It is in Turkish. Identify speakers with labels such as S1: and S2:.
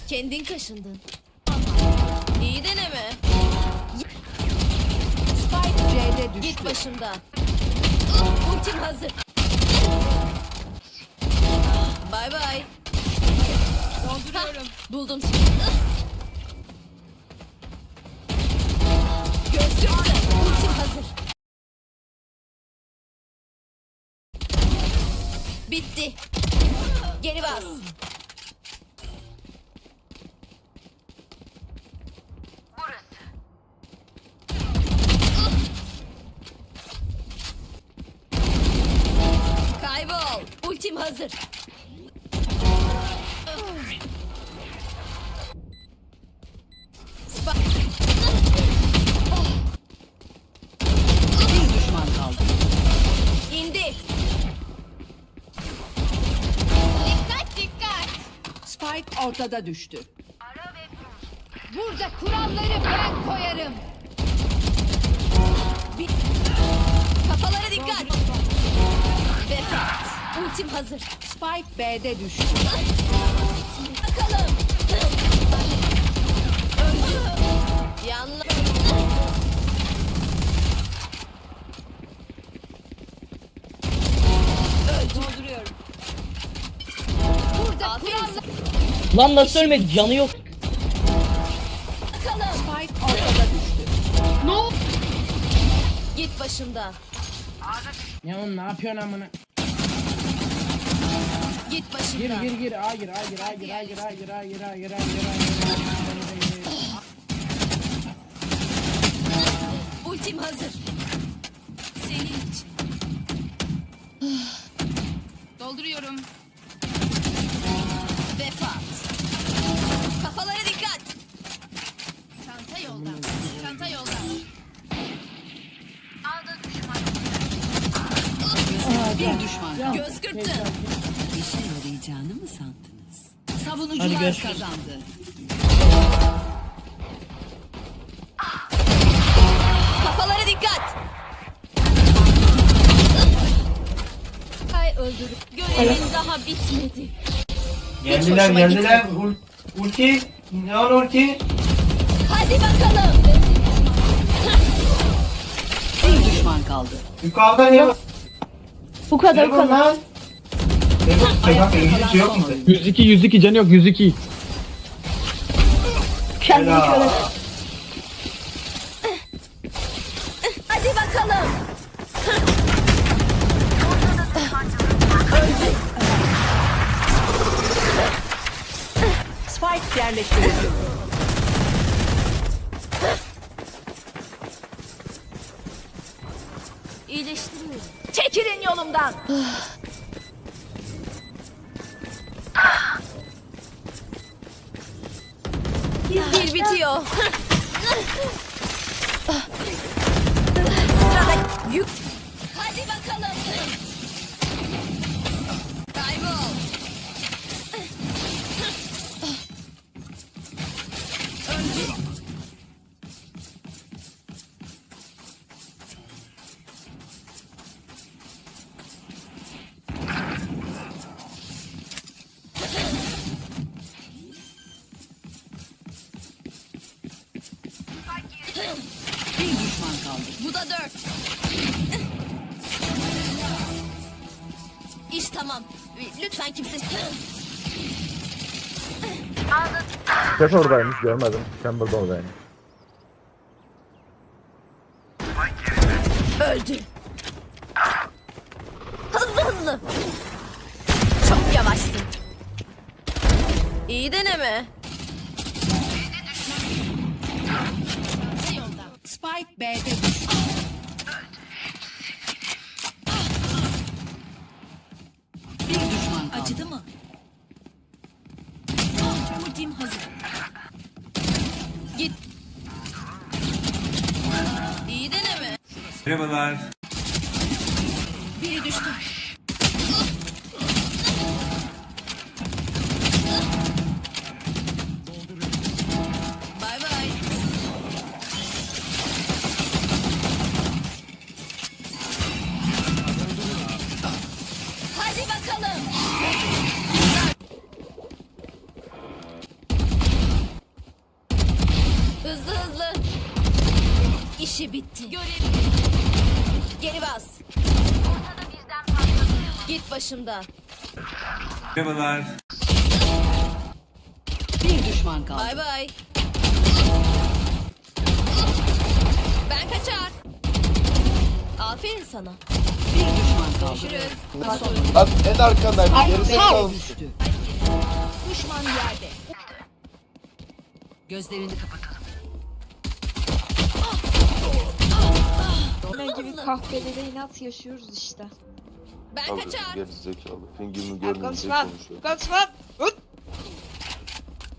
S1: Kendin kaşındın. İyi deneme.
S2: Spike C'de düştü.
S1: Git başımdan. Ultim hazır. Bay bay. Dolduruyorum. Buldum seni. Gözlükle. Ultim hazır. Bitti. Geri bas. Kaybol. Ultim hazır.
S2: Bir düşman kaldı.
S1: İndi. Dikkat dikkat.
S2: Spike ortada düştü.
S1: Burada kuralları ben koyarım. Bir... Kafalara dikkat. Defekt. Ultim hazır.
S2: Spike B'de düştü.
S1: Bakalım. Öldü. Yanlış. Dolduruyorum. Burada kurallar.
S3: Lan nasıl ölmedi? Canı yok.
S1: Bakalım.
S2: Spike ortada düştü.
S1: Git başımdan.
S4: Ya oğlum ne yapıyorsun amına?
S1: Git
S4: Gir
S1: başımdan.
S4: gir gir. Hayır.
S1: Ultim hazır. Senin için. Dolduruyorum. Vefat. Kafalara dikkat. Çanta yolda. Çanta yolda.
S2: Bir düşman kaldı.
S1: Göz kırptı.
S2: İşe yarayacağını mı sandınız?
S3: Hadi
S2: Savunucular
S3: görüşürüz.
S2: kazandı.
S1: Kafalara dikkat. Hay öldürüp. Görevin daha bitmedi.
S5: Geldiler
S1: hoşuma
S5: geldiler. Ulti. Ne var ulti?
S1: Hadi bakalım.
S2: Bir düşman kaldı.
S5: Yukarıda ne var?
S3: Bu kadar
S5: Ne var lan? Ne var? Bak İngilizce yok mu?
S6: 102 canı yok 102.
S3: Kendini
S5: Helal.
S3: köle.
S1: Hadi bakalım.
S2: Spike yerleştirildi.
S1: İyileştiriyorum. Çekilin yolumdan. Dil bitiyor. Sırada yük. Hadi bakalım. Kaybol.
S2: Bir düşman kaldı.
S1: Bu da 4. İş tamam. Lütfen kimse...
S7: Ses oradaymış görmedim. Chamber'da oradaymış.
S1: Öldü. Hızlı hızlı. Çok yavaşsın. İyi deneme.
S2: Spike B'de düştü. Bir düşman kaldı.
S1: Acıdı mı? Ultim hazır. Git. İyi deneme.
S5: Merhabalar.
S1: Biri düştü. Bay bay. Hadi bakalım. Hızlı hızlı. İşi bitti. Geri bas. Git başımdan.
S2: Bir düşman kaldı.
S1: Bay bay. Ben kaçar. Aferin sana.
S2: Bir düşman kaldı.
S1: Görüşürüz.
S8: Lan en arkandayım. Gerizekalı
S2: Spike
S8: mısın?
S2: düştü.
S1: Düşman yerde.
S2: Gözlerini kapatalım.
S9: Ne gibi kahvelere inat yaşıyoruz işte.
S1: Ben
S8: Abi
S1: kaçar.
S8: gerizekalı. Fingir'ini
S9: Ya
S8: görmeyince
S9: konuşma.
S8: konuşuyor.
S9: Konuşma.